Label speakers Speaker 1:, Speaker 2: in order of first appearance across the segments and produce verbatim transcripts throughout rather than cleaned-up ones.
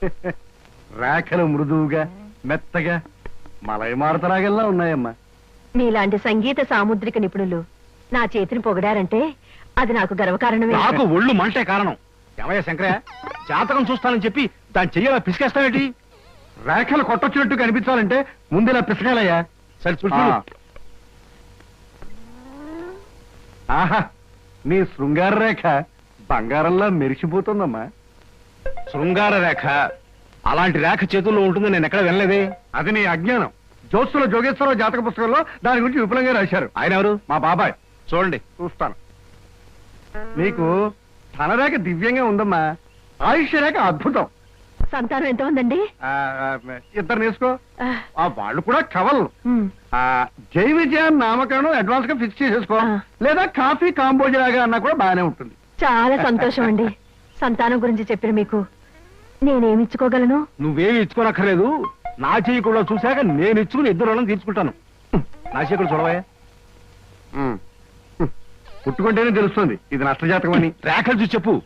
Speaker 1: రేఖలు మృదువుగా మెత్తగా మలయమారుతరాగల్లా ఉన్నాయమ్మా.
Speaker 2: మీలాంటి సంగీత సాముద్రిక నిపుణులు నా చేతిని పొగిడారంటే అది నాకు గర్వకారణమే.
Speaker 1: నాకు ఒళ్ళు మంటే కారణం. ఏమయ్యా శంకరయ్య, జాతకం చూస్తానని చెప్పి దాన్ని చెయ్యాలా పిసికేస్తావేటి? రేఖలు కొట్టొచ్చినట్టు కనిపించాలంటే ముందులా పిసకాలయ్యా. సరే చూడు. ఆహా, నీ శృంగార రేఖ బంగారంలా మెరిసిపోతుందమ్మా. శృంగార రేఖ అలాంటి రేఖ చేతుల్లో ఉంటుందని నేను ఎక్కడ వినలేదే. అది నీ అజ్ఞానం. జోత్సుల జోగేశ్వరరావు జాతక పుస్తకంలో దాని గురించి విపులంగా రాశారు. ఆయన ఎవరు? మా బాబాయ్. చూడండి, చూస్తాను. నీకు ధనరేఖ దివ్యంగా ఉందమ్మా. ఆయుష్య రేఖ అద్భుతం.
Speaker 2: సంతానం ఎంత ఉందండి?
Speaker 1: ఇద్దరు నేర్చుకో. వాళ్ళు కూడా కవల్. జై విజయాన్ని నామకరణం అడ్వాన్స్ గా ఫిక్స్ చేసేసుకో. లేదా కాఫీ కాంబోజ్ లాగా అన్నా కూడా బాగానే ఉంటుంది.
Speaker 2: చాలా సంతోషం అండి. సంతానం గురించి చెప్పిన మీకు నేనేమి ఇచ్చుకోగలను?
Speaker 1: నువ్వేమి ఇచ్చుకోనక్కర్లేదు. నా చెయ్యి కూడా చూశాక నేను ఇచ్చుకుని ఇద్దరు వాళ్ళని తీర్చుకుంటాను. నా చెయ్యి కూడా చూడవా. పుట్టుకుంటేనే తెలుస్తుంది ఇది నష్టజాతకం అని. రేఖలు చూసి చెప్పు.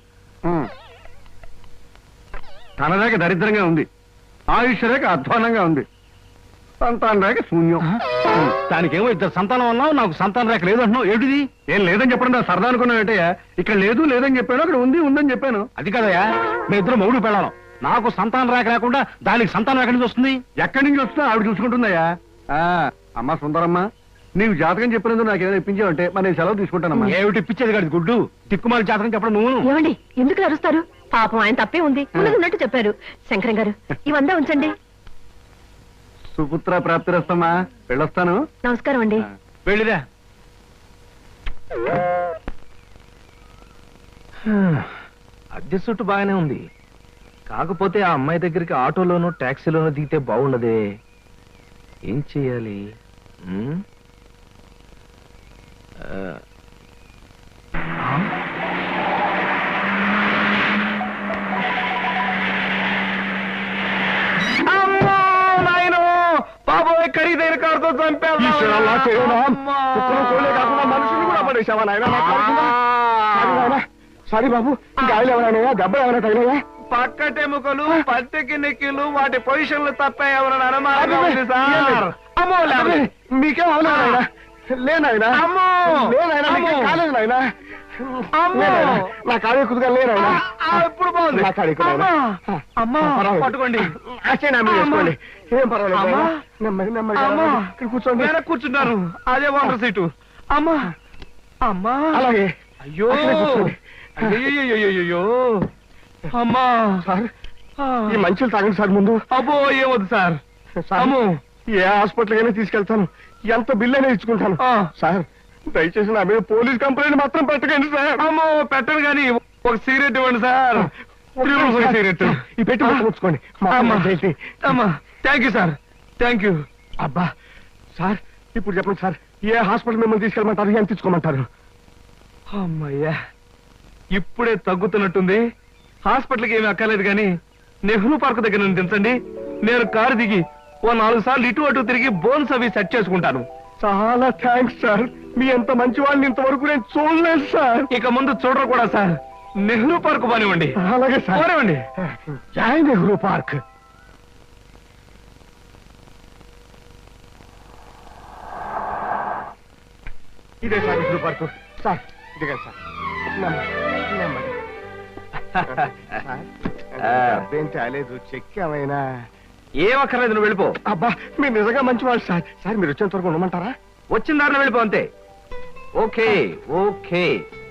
Speaker 1: తన రేఖ దరిద్రంగా ఉంది. ఆయుష్ రేఖ అధ్వానంగా ఉంది. సంతాన రేఖ శూన్యం. దానికేమో ఇద్దరు సంతానం అన్నావు, నాకు సంతాన రేఖ లేదు అంటున్నావు. ఏమిటిది? ఏం లేదని చెప్పడం నా సరదా అనుకున్నావు ఏంటయ్యా? ఇక్కడ లేదు లేదని చెప్పాను, అక్కడ ఉంది ఉందని చెప్పాను. అది కదయ్యా, మీ ఇద్దరు మౌడు పెళ్ళాను. నాకు సంతాన రేఖ లేకుండా దానికి సంతానం ఎక్కడి నుంచి వస్తుంది? ఎక్కడి నుంచి వస్తుందో ఆవిడ చూసుకుంటుందయ్యా. అమ్మా సుందరమ్మ, నీవు జాతకం చెప్పినందుకు నాకు ఏదైనా ఇప్పించావంటే మరి నేను సెలవు తీసుకుంటానమ్మా. ఏమిటి ఇప్పించేది కాదు గుడ్డు. తిక్కుమాలి జాతకం చెప్పడం నువ్వు.
Speaker 2: ఏమండి ఎందుకు అరుస్తారు? పాపం ఆయన తప్పే ఉంది, ఉన్నట్టు చెప్పారు. శంకరం గారు ఇవంతా ఉంచండి.
Speaker 1: సుపుత్ర ప్రాప్తిరస్తమ్మా. వెళ్ళొస్తాను.
Speaker 2: నమస్కారం అండి.
Speaker 1: వెళ్ళిరా.
Speaker 3: అద్దె చుట్టు బాగానే ఉంది. కాకపోతే ఆ అమ్మాయి దగ్గరికి ఆటోలోనూ టాక్సీలోనూ దిగితే బాగుండదే. ఏం చెయ్యాలి?
Speaker 1: బాబోయ్, ఖరీదైన కారుతో చంపాను. మనుషులు కూడా పడేసావా నాయన? సారీ బాబు, గాయలు ఎవరైనా దెబ్బ ఎవరైనా తగిలేదా? పక్కటెముకలు పత్తికి నెక్కిలు వాటి పొజిషన్లు తప్ప ఎవరైనా మీకేం అవలేదా? లేనాయనా కాలేదు నాయన. నా కాడే కుదుగా లేనాయనా. ఇప్పుడు బాగుంది. నా కాడే పట్టుకోండి. వేసుకోండి. ఏం పర్వాలేదు. నెమ్మది నెమ్మది కూర్చోండి. కూర్చున్నారు. అదే వాటర్ సీటు. అమ్మా అమ్మా. అలాగే. అయ్యో అయ్యో అమ్మా. సార్ ఈ మంచులు తాగండి సార్ ముందు. అబ్బో ఏమొద్దు సార్. అమ్మో, ఏ హాస్పిటల్ అయినా తీసుకెళ్తాను. ఎంత బిల్ అయినా ఇచ్చుకుంటాను. సార్ దయచేసి నా మీద పోలీస్ కంప్లైంట్ మాత్రం పెట్టకండి సార్. అమ్మో పెట్టను కానీ ఒక సిగరెట్ ఇవ్వండి సార్. సిగరెట్ ఈ పెట్టి పుచ్చుకోండి. అమ్మా thank you sir. Thank you. అబ్బా సార్ ఇప్పుడు చెప్పండి సార్, ఏ హాస్పిటల్ మిమ్మల్ని తీసుకెళ్ళమంటారు? ఎంత తీసుకోమంటారు? అమ్మయ్యా ఇప్పుడే తగ్గుతున్నట్టుంది. హాస్పిటల్కి ఏమీ అక్కర్లేదు కానీ నెహ్రూ పార్క్ దగ్గర నుండి దించండి. నేను కారు దిగి ఓ నాలుగు సార్లు ఇటు అటు తిరిగి బోన్స్ అవి సెట్ చేసుకుంటాను. చాలా థ్యాంక్స్ సార్. మీ ఎంత మంచి వాళ్ళని ఇంతవరకు నేను చూడలేదు సార్. ఇక ముందు చూడరు కూడా సార్. నెహ్రూ పార్క్ పోనివ్వండి. అలాగే సార్, పోనివ్వండి. జై నెహ్రూ పార్క్. ఇదే సార్ నెహ్రూ పార్క్. సార్ ఇదిగా సార్. అబ్బేం చాలేదు. చెక్ ఏమైనా? ఏమక్కర్లేదు, నువ్వు వెళ్ళిపో. అబ్బా మీరు నిజంగా మంచివాళ్ళు సార్. సార్ మీరు వచ్చేంత వరకు ఉండమంటారా? వచ్చిన దారిలో వెళ్ళిపో అంతే. Okay okay.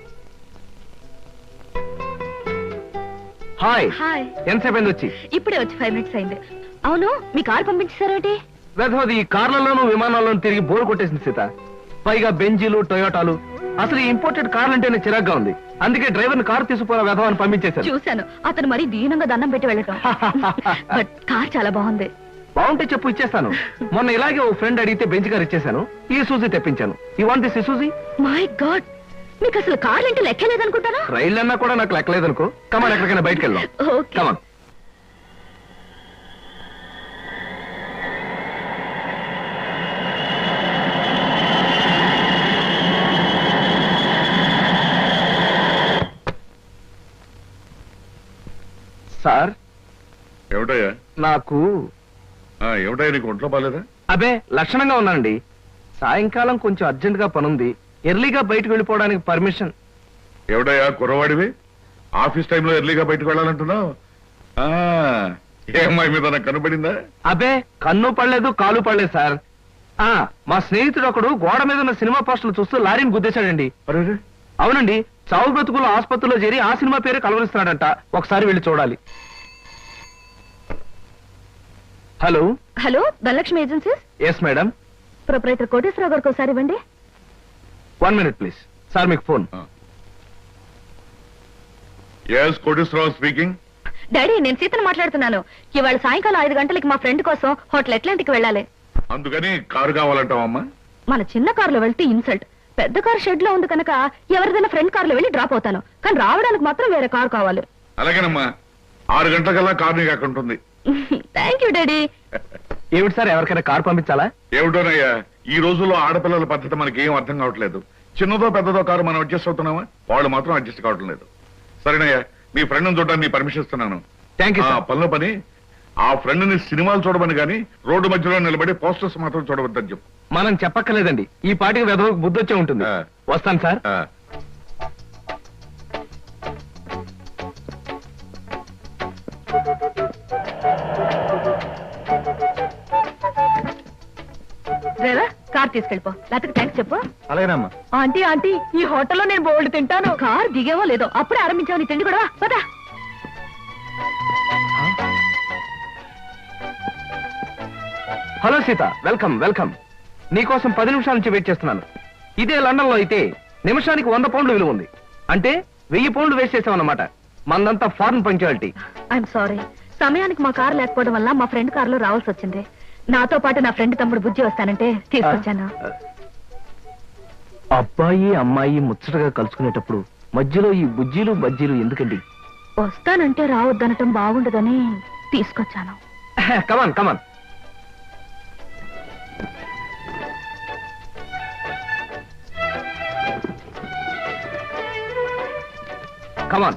Speaker 1: హాయ్.
Speaker 2: హాయ్.
Speaker 1: ఎంతసేపు అయింది వచ్చి?
Speaker 2: ఇప్పుడే వచ్చి ఫైవ్ మినిట్స్ అయింది. అవును మీ కార్ పంపించేశారేంటి?
Speaker 1: వెధవది ఈ కార్లలోనూ విమానాల్లోనూ తిరిగి బోర్ కొట్టేసింది సీత. పైగా బెంజీలు టొయోటాలు. అసలు ఈ ఇంపోర్టెడ్ కార్లు అంటేనే చిరాగ్గా ఉంది. అందుకే డ్రైవర్ కారు తీసుకుపోయిన వెధవాన్ని పంపించేశారు.
Speaker 2: చూశాను, అతను మరీ దీనంగా దండం పెట్టి వెళ్ళటం. బట్ కార్ చాలా బాగుంది.
Speaker 1: బాగుంటే చెప్పు, ఇచ్చేస్తాను. మొన్న ఇలాగే ఓ ఫ్రెండ్ అడిగితే బెంచ్ కార్ ఇచ్చేసాను. ఈ సూజీ తెప్పించాను. ఈ వాంట్ దిస్ సూజీ?
Speaker 2: మై గాడ్, మీకు అసలు కార్లు అంటే లెక్కలేదనుకుంటారా?
Speaker 1: రైళ్ళు అన్నా కూడా నాకు లెక్కలేదనుకో. కమాన్ ఎక్కడికైనా బయటకు వెళ్దాం. కమాన్. సార్ ఏమిటయ్యా?
Speaker 3: నాకు
Speaker 1: ఏమిటయ్యా, నీకు ఒంట్లో బాలేదా?
Speaker 3: అబే లక్షణంగా ఉన్నానండి. సాయంకాలం కొంచెం అర్జెంట్ గా పనుంది, ఎర్లీగా బయటకు వెళ్ళిపోవడానికి పర్మిషన్.
Speaker 1: ఏమిటయ్యా కుర్రవాడివి, ఆఫీస్ టైంలో ఎర్లీగా బయటకు వెళ్ళాలంటున్నావు? ఏ అమ్మాయి మీద నాకు కనబడిందా?
Speaker 3: అబే కన్ను పడలేదు, కాలు పడలేదు సార్. ఆ మా స్నేహితుడు ఒకడు గోడ మీద ఉన్న సినిమా పోస్టర్లు చూస్తూ లారీని గుద్దేశాడండి.
Speaker 1: అరే,
Speaker 3: అవునండి, చావు బ్రతుకులు ఆసుపత్రిలో చేరి ఆ సినిమా పేరు కలవరిస్తున్నాడంట. ఒకసారి వెళ్ళి చూడాలి. Hello
Speaker 2: hello, Dhanalakshmi agencies.
Speaker 3: Yes madam.
Speaker 2: Proprietor Koteswararao గారికి ఒకసారి ఇవ్వండి.
Speaker 3: One minute please. సార్ మీకు phone.
Speaker 1: Yes, Koteswararao speaking.
Speaker 2: Daddy, నేను సీతను మాట్లాడుతున్నాను. ఇవాళ సాయంకాలం ఐదు గంటలకి మా ఫ్రెండ్ కోసం హోటల్ అట్లాంటిక్ వెళ్ళాలి.
Speaker 1: అందుకని కారు కావాలంటావమ్మా?
Speaker 2: మన చిన్న కారులో వెళ్తే ఇన్సల్ట్. పెద్ద కారు షెడ్ లో ఉంది కనుక ఎవరిదైనా ఫ్రెండ్ కారులో వెళ్ళి డ్రాప్ అవుతాను, కానీ రావడానికి మాత్రం వేరే కారు కావాలి.
Speaker 1: అలాగేనమ్మా, ఆరు గంటలకల్లా కారు నీకు అక్కడ ఉంటుంది.
Speaker 2: Thank you daddy.
Speaker 3: ఏమిటి సార్, ఎవరికైనా కారు పంపించాలా?
Speaker 1: ఏమిటోనయ్యా, ఈ రోజుల్లో ఆడపిల్లల పద్ధతి మనకి ఏం అర్థం కావట్లేదు. చిన్నదో పెద్దదో కారు మనం అడ్జస్ట్ అవుతున్నామా, వాళ్ళు మాత్రం అడ్జస్ట్ కావటం లేదు. సరేనయ్యా, మీ ఫ్రెండ్ చూడడానికి నీ పర్మిషన్ ఇస్తున్నాను.
Speaker 3: Thank you.
Speaker 1: పనిలో పని ఆ ఫ్రెండ్ ని సినిమాలు చూడమని గాని రోడ్డు మధ్యలో నిలబడి పోస్టర్స్ మాత్రం చూడవద్దని చెప్పు.
Speaker 3: మనం చెప్పక్కర్లేదండి, ఈ పాటికి వెదవకు బుద్ధి వచ్చే ఉంటుంది.
Speaker 1: ఆ.
Speaker 3: వస్తాను సార్.
Speaker 1: ఆ.
Speaker 2: డ్రైవర్, కార్ తీసుకెళ్ళిపో. లేకపోతే థ్యాంక్స్ చెప్పు.
Speaker 3: అలాగేనమ్మా.
Speaker 2: ఆంటీ ఆంటీ, ఈ హోటల్లో నేను బోల్డ్ తింటాను. కార్ దిగేవో లేదో అప్పుడే ఆరంభించావు నీ తిండి కూడా. పదా.
Speaker 3: Hello Sita, welcome welcome. నీకోసం పది నిమిషాల నుంచి వెయిట్ చేస్తున్నాను. ఇదే లండన్ లో అయితే నిమిషానికి వంద పౌండ్లు విలువ ఉంది, అంటే వెయ్యి పౌండ్లు వేస్ట్ చేసామన్నమాట. మందంతా ఫారెన్ పంక్చువాలిటీ.
Speaker 2: ఐఎమ్ సారీ, సమయానికి మా కార్ లేకపోవడం వల్ల మా ఫ్రెండ్ కారులో రావాల్సి వచ్చింది. నాతో పాటు నా ఫ్రెండ్ తమ్ముడు బుజ్జి వస్తానంటే తీసుకొచ్చాను.
Speaker 3: అబ్బాయి అమ్మాయి ముచ్చటగా కలుసుకునేటప్పుడు మధ్యలో ఈ బుజ్జీలు బజ్జీలు ఎందుకండి?
Speaker 2: వస్తానంటే రావద్దనటం బాగుండదని తీసుకొచ్చాను.
Speaker 3: కమాన్ కమాన్. కమాన్.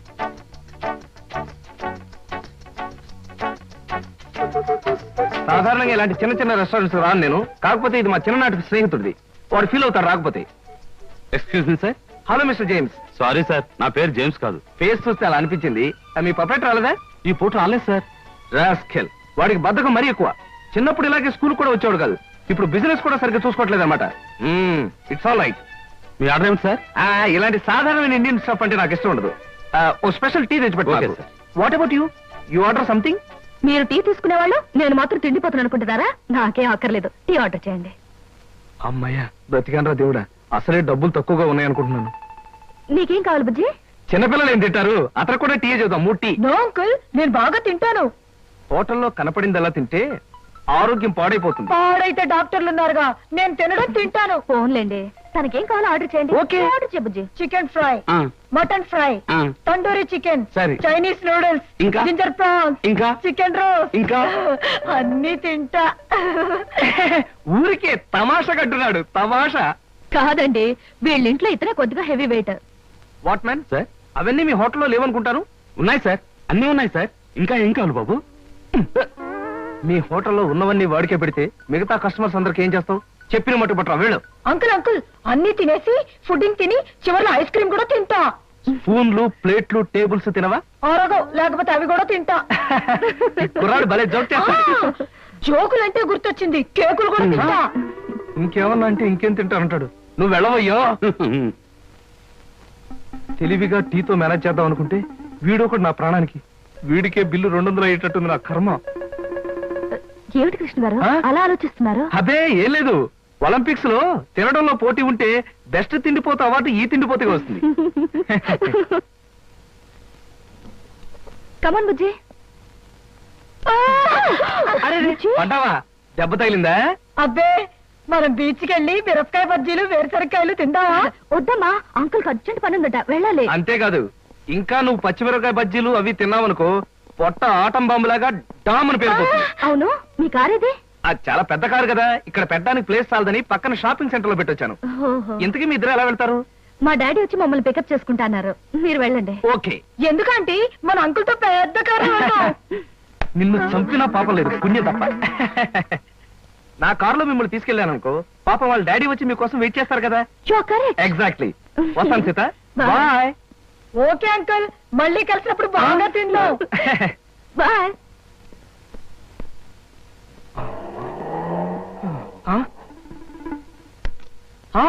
Speaker 3: సాధారణంగా ఇలాంటి చిన్న చిన్న రెస్టారెంట్స్ రాను నేను, కాకపోతే ఇది మా చిన్ననాటి స్నేహితుడిది. వాడు ఫీల్ అవుతాడు రాకపోతే. Excuse me sir. Hello mister James.
Speaker 4: Sorry sir, నా పేరు జేమ్స్ కాదు.
Speaker 3: ఫేస్ చూస్తే అలా అనిపించింది. మీ పర్ఫెక్ట్ రాలేదా?
Speaker 4: ఈ పూట రాలేదు సార్.
Speaker 3: రాస్కెల్, వాడికి బద్ధకం మరీ ఎక్కువ. చిన్నప్పుడు ఇలాగే స్కూల్ కూడా వచ్చేవాడు కాదు, ఇప్పుడు బిజినెస్ కూడా సరిగ్గా చూసుకోవట్లేదు అనమాట. It's all right.
Speaker 4: మీ ఆర్డర్ ఏమిటి సార్?
Speaker 3: ఇలాంటి సాధారణమైన ఇండియన్ స్టఫ్ అంటే నాకు ఇష్టం ఉండదు. ఓ స్పెషల్ టీ తెచ్చి
Speaker 4: Okay,
Speaker 3: పెట్టు.
Speaker 4: sir.
Speaker 3: What about you? You order something?
Speaker 2: మీరు టీ తీసుకునే వాళ్ళు, నేను మాత్రం తిండిపోతాను అనుకుంటున్నారా? నాకేం అక్కర్లేదు, టీ ఆర్డర్ చేయండి.
Speaker 3: అమ్మయ్యా, బ్రతికానరా దేవుడా. అసలే డబ్బులు తక్కువగా ఉన్నాయనుకుంటున్నాను.
Speaker 2: నీకేం కావాలి బుజ్జి?
Speaker 3: చిన్నపిల్లలు ఏం తింటారు, అతను కూడా టీ చేద్దాం. మూడు టీ.
Speaker 2: నో అంకుల్, నేను బాగా తింటాను.
Speaker 3: హోటల్లో కనపడిందల్లా తింటే ఆరోగ్యం పాడైపోతుంది.
Speaker 2: పాడైతే డాక్టర్లు ఉన్నారుగా, నేను తినడం తింటాను. ఫోన్లేండి, తనకేం కావాలో ఆర్డర్ చేయండి.
Speaker 3: Okay.
Speaker 2: ఆర్డర్ చేయ బుజ్జి. చికెన్ ఫ్రై, మటన్ ఫ్రై,
Speaker 3: ఆ.
Speaker 2: తందూరి చికెన్,
Speaker 3: సరే.
Speaker 2: చైనీస్ నూడిల్స్,
Speaker 3: ఇంకా?
Speaker 2: జింజర్ ప్రాన్స్,
Speaker 3: ఇంకా?
Speaker 2: చికెన్ రోస్,
Speaker 3: ఇంకా?
Speaker 2: అన్ని తింటా.
Speaker 3: ఊరికే తమాషా కట్టున్నాడు. తమాషా
Speaker 2: కాదండి, వీళ్ళింట్లో ఇతనే కొద్దిగా heavy weight.
Speaker 3: What man sir, అవన్నీ మీ హోటల్లో లేవనుకుంటాను.
Speaker 4: ఉన్నాయి సార్, అన్నీ ఉన్నాయి సార్. ఇంకా ఏం కావాలి బాబు?
Speaker 3: మీ హోటల్లో ఉన్నవన్నీ వాడికే పెడితే మిగతా కస్టమర్స్ అందరికి ఏం చేస్తావు? చెప్పిన మట్టు పట్టరా వీళ్ళు.
Speaker 2: అంకుల్ అంకుల్, అన్ని తినేసి ఫుడ్డింగ్ తిని చివర్లో ఐస్ క్రీమ్ కూడా తింటా.
Speaker 3: స్పూన్లు ప్లేట్లు టేబుల్స్ తినవా?
Speaker 2: ఆరోగో, లేకపోతే అవి కూడా తింటా.
Speaker 3: కుర్రాడు భలే జోక్ చేస్తాడు.
Speaker 2: జోకులంటే గుర్తొచ్చింది, కేకులు కూడా తింటా.
Speaker 3: ఇంకేమన్నా అంటే ఇంకేం తింటానంటాడు. నువ్వు వెళ్ళవయ్యో. తెలివిగా టీతో మేనేజ్ చేద్దాం అనుకుంటే వీడొకడు నా ప్రాణానికి. వీడికే బిల్లు రెండు వందలు అయ్యేటట్టుంది నా కర్మ.
Speaker 2: ఏమిటి కృష్ణ గారు
Speaker 3: ఆ?
Speaker 2: అలా ఆలోచిస్తున్నారు?
Speaker 3: అదే ఏం లేదు, ఒలింపిక్స్ లో తినడంలో పోటీ ఉంటే బెస్ట్ తిండిపోతే అవార్డు ఈ తిండిపోతే వస్తుంది.
Speaker 2: కమన్ బుజ్జి.
Speaker 3: అరే పడ్డావా? దెబ్బ తగిలిందా?
Speaker 2: అబ్బే, మనం బీచ్ కి వెళ్ళి మిరపకాయ బజ్జీలు వేరుసరికాయలు తిందామా? వద్దమ్మా, అంకుల్ అర్జెంట్ పని ఉందట, వెళ్ళాలి.
Speaker 3: అంతేకాదు, ఇంకా నువ్వు పచ్చిమిరపకాయ బజ్జీలు అవి తిన్నావనుకో పొట్ట ఆటం బాంబులాగా డామని పేరుపోతుంది.
Speaker 2: అవును, మీ కారేది?
Speaker 3: అది చాలా పెద్ద కారు కదా, ఇక్కడ పెట్టడానికి ప్లేస్ చాలదని పక్కన షాపింగ్ సెంటర్ లో పెట్టొచ్చాను. ఇంతకీ మీ ఇద్దరు ఎలా వెళ్తారు?
Speaker 2: మా డాడీ వచ్చి మమ్మల్ని పికప్ చేసుకుంటున్నారు, మీరు వెళ్ళండి.
Speaker 3: ఓకే.
Speaker 2: ఎందుకంటే మన అంకుల్ తో పెద్ద కారు.
Speaker 3: నిన్ను చంపినా పాపం లేదు పుణ్యం తప్ప. నా కారులో మిమ్మల్ని తీసుకెళ్ళాను అనుకో, పాపం వాళ్ళ డాడీ వచ్చి మీకోసం వెయిట్ చేస్తారు కదా. ఎగ్జాక్ట్లీ. వస్తాను Sita.
Speaker 2: Bye.
Speaker 3: Bye.
Speaker 2: Okay uncle, మళ్ళీ కలిసినప్పుడు బాగా తిందో. బాయ్.
Speaker 3: ఆ? ఆ?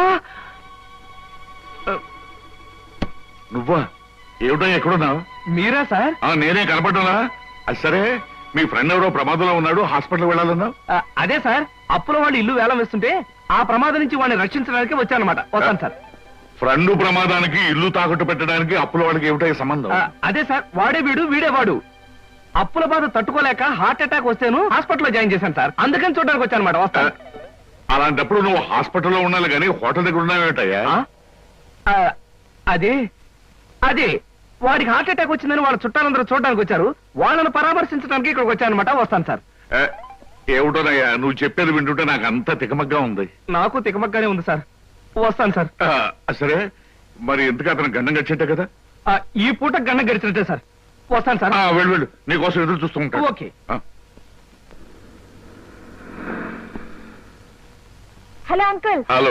Speaker 5: నువ్వా? ఏమిటో ఎక్కడున్నావు?
Speaker 3: మీరా సార్?
Speaker 5: ఆ, నేనే కనపడ్డా? అది సరే, మీ ఫ్రెండ్ ఎవరో ప్రమాదంలో ఉన్నాడు, హాస్పిటల్ వెళ్ళాలన్నావు.
Speaker 3: ఆ, అదే సార్, అప్పుల వాళ్ళు ఇల్లు వేలం వేస్తుంటే ఆ ప్రమాదం నుంచి వాడిని రక్షించడానికి వచ్చానమాట. వస్తాను సార్.
Speaker 5: ఫ్రెండ్ ప్రమాదానికి ఇల్లు తాకట్టు పెట్టడానికి అప్పుల వాళ్ళకి ఏమిటో సంబంధం?
Speaker 3: ఆ, అదే సార్, వాడే వీడు వీడే వాడు. అప్పుల బాధ తట్టుకోలేక హార్ట్ అటాక్ వస్తేను హాస్పిటల్లో జాయిన్ చేశాను సార్. అందుకని చూడడానికి వచ్చానమాట. వస్తాను.
Speaker 5: అలాంటప్పుడు నువ్వు హాస్పిటల్లో ఉండాలి కానీ హోటల్ దగ్గర ఉన్నావేటయ్యా?
Speaker 3: ఆ? ఆ, అదే అదే వాడికి హార్ట్ అటాక్ వచ్చిందని వాళ్ళ చుట్టాలందరూ చూడడానికి వచ్చారు. వాళ్ళని పరామర్శించడానికి ఇక్కడికి వచ్చానమాట. వస్తాను సార్.
Speaker 5: ఏ, ఏమిటోనయ్యా నువ్వు చెప్పేది వింటుంటే నాకు అంతా తికమగ్గా ఉంది.
Speaker 3: నాకు తికమక్కనే ఉంది సార్. వస్తాను సార్.
Speaker 5: ఆ, సరే, మరి ఎందుకు అతను గండం గడిచేట్టే కదా?
Speaker 3: ఆ, ఈ పూట గంట గడిచినట్టే సార్. వస్తాను సార్.
Speaker 5: ఆ, వెళ్ళు వెళ్ళు, నీకోసం ఎదురు చూస్తూ ఉంటాను.
Speaker 3: ఓకే.
Speaker 5: ఆ.
Speaker 2: Hello uncle.
Speaker 5: హలో.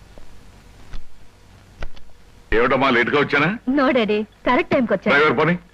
Speaker 5: ఏమిటమ్మా లేట్ గా వచ్చానా?
Speaker 2: నో డాడీ, కరెక్ట్ టైంకి వచ్చా.
Speaker 5: డ్రైవర్ పని